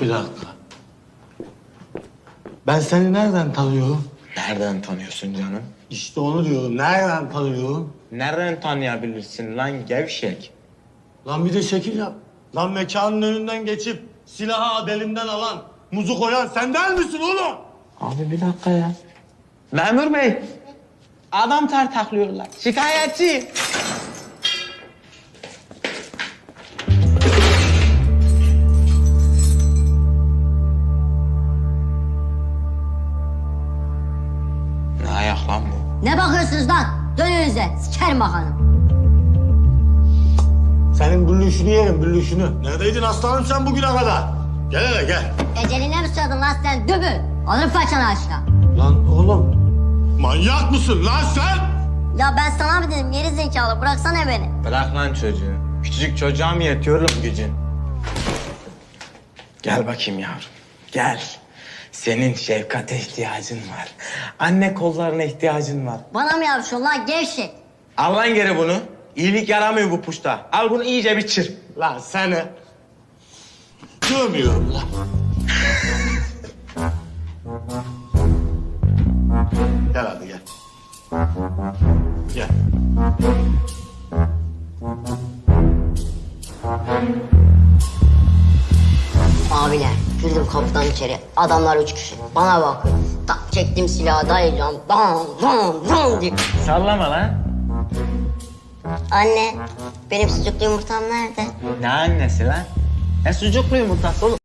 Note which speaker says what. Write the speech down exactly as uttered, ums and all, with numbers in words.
Speaker 1: Bir dakika. Ben seni nereden tanıyorum?
Speaker 2: Nereden tanıyorsun canım?
Speaker 1: İşte onu diyorum. Nereden tanıyorum?
Speaker 2: Nereden tanıyabilirsin lan gevşek?
Speaker 1: Lan bir de şekil yap. Lan mekanın önünden geçip silahı belimden alan, muzu koyan sen değil misin oğlum?
Speaker 2: Abi bir dakika ya. Memur bey. Adam tartaklıyorlar. Şikayetçi. Ne ayak lan bu?
Speaker 3: Ne bakıyorsunuz lan? Dön önünüze. Sikerim bakalım.
Speaker 1: Senin büllüşünü yerim, büllüşünü. Neredeydin aslanım sen bugüne kadar? Gel hele gel.
Speaker 3: Eceline mi susadın lan sen dübül? Alırım paçanı aşağı.
Speaker 1: Lan oğlum, manyak mısın lan sen?
Speaker 3: Ya ben sana mı dedim geri zekalı bıraksana beni.
Speaker 2: Bırak lan çocuğu. Küçücük çocuğa mı yetiyor lan gücün? Gel bakayım yavrum. Gel. Senin şefkate ihtiyacın var. Anne kollarına ihtiyacın var.
Speaker 3: Bana mı yapışıyorsun lan gevşek?
Speaker 2: Al lan geri bunu. İyilik yaramıyor bu puşta. Al bunu iyice bir çır.
Speaker 1: Lan seni. Dövmüyorum lan. Gel hadi gel. Gel.
Speaker 3: Abiler girdim kapıdan içeri. Adamlar üç kişi. Bana bakıyor. Tak çektim silahı dayayacağım. Bam bam bam diye.
Speaker 2: Sallama lan.
Speaker 3: Anne benim sucuklu yumurtam nerede?
Speaker 2: Ne annesi lan? Ne sucuklu yumurtası oğlum?